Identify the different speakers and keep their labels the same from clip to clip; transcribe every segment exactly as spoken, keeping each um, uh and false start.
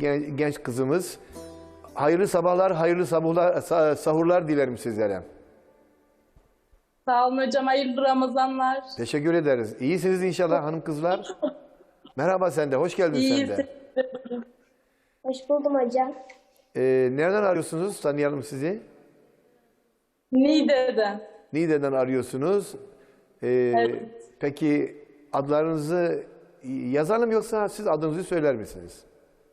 Speaker 1: gen- genç kızımız. Hayırlı sabahlar, hayırlı sabahlar, sa- sahurlar dilerim sizlere.
Speaker 2: Sağ olun hocam. Hayırlı Ramazanlar.
Speaker 1: Teşekkür ederiz. İyisiniz inşallah hanım kızlar. Merhaba sen de, hoş geldin sen
Speaker 2: İyiyiz.
Speaker 1: de.
Speaker 3: Hoş buldum hocam.
Speaker 1: Ee, nereden arıyorsunuz? Tanıyalım sizi.
Speaker 2: Niğde'den.
Speaker 1: Niğde'den arıyorsunuz. Ee,
Speaker 2: Evet.
Speaker 1: Peki adlarınızı yazalım yoksa siz adınızı söyler misiniz?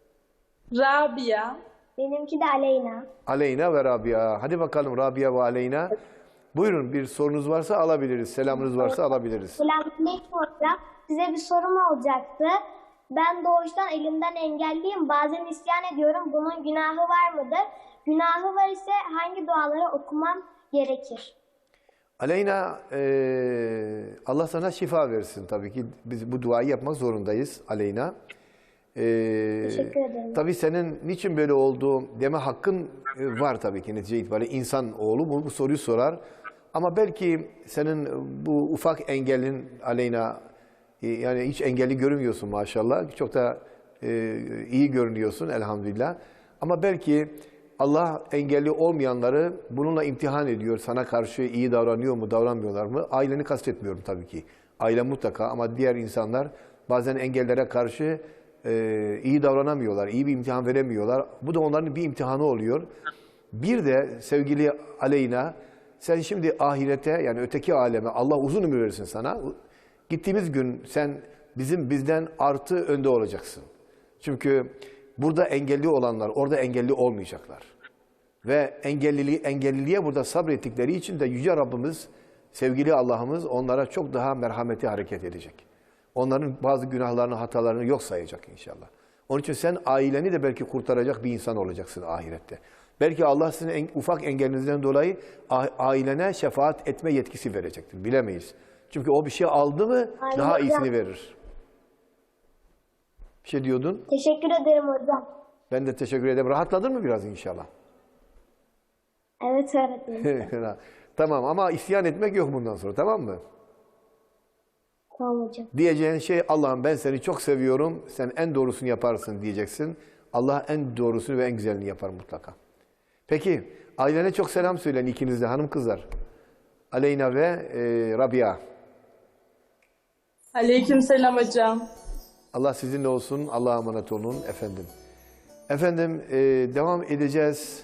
Speaker 2: Rabia.
Speaker 3: Benimki de Aleyna.
Speaker 1: Aleyna ve Rabia. Hadi bakalım Rabia ve Aleyna. Buyurun, bir sorunuz varsa alabiliriz. Selamınız varsa alabiliriz.
Speaker 3: Selamünaleyküm hocam. Size bir sorum olacaktı. Ben doğuştan elimden engelliyim. Bazen isyan ediyorum. Bunun günahı var mıdır? Günahı var ise hangi duaları okumam gerekir?
Speaker 1: Aleyna, eee, Allah sana şifa versin tabii ki. Biz bu duayı yapmak zorundayız Aleyna. Eee,
Speaker 3: Teşekkür ederim.
Speaker 1: Tabii senin niçin böyle oldu deme hakkın e, var tabii ki netice itibariyle. İnsan oğlu bu, bu soruyu sorar. Ama belki senin bu ufak engellin Aleyna, e, yani hiç engelli görünmüyorsun maşallah. Çok da e, iyi görünüyorsun elhamdülillah. Ama belki Allah engelli olmayanları bununla imtihan ediyor. Sana karşı iyi davranıyor mu, davranmıyorlar mı? Aileni kastetmiyorum tabii ki. Aile mutlaka, ama diğer insanlar bazen engellere karşı e, iyi davranamıyorlar, iyi bir imtihan veremiyorlar. Bu da onların bir imtihanı oluyor. Bir de sevgili Aleyna, sen şimdi ahirete, yani öteki aleme, Allah uzun ömür versin sana. Gittiğimiz gün sen bizim bizden artı önde olacaksın. Çünkü burada engelli olanlar orada engelli olmayacaklar. Ve engelliliği, engelliliğe burada sabrettikleri için de Yüce Rabbimiz, sevgili Allah'ımız onlara çok daha merhameti hareket edecek. Onların bazı günahlarını, hatalarını yok sayacak inşallah. Onun için sen aileni de belki kurtaracak bir insan olacaksın ahirette. Belki Allah sizin en, ufak engelinizden dolayı ailene şefaat etme yetkisi verecektir. Bilemeyiz. Çünkü o bir şey aldı mı
Speaker 3: Aynen
Speaker 1: daha
Speaker 3: hocam.
Speaker 1: iyisini verir. Bir şey diyordun.
Speaker 3: Teşekkür ederim hocam.
Speaker 1: Ben de teşekkür ederim. Rahatladın mı biraz inşallah?
Speaker 3: Evet öğretmenim.
Speaker 1: Tamam, ama isyan etmek yok bundan sonra, tamam mı?
Speaker 3: Tamam hocam.
Speaker 1: Diyeceğin şey, Allah'ım ben seni çok seviyorum, sen en doğrusunu yaparsın diyeceksin. Allah en doğrusunu ve en güzelini yapar mutlaka. Peki, ailene çok selam söyleyin ikiniz de hanım kızlar. Aleyna ve e, Rabia.
Speaker 2: Aleykümselam hocam.
Speaker 1: Allah sizinle olsun, Allah'a emanet olun efendim. Efendim, e, devam edeceğiz.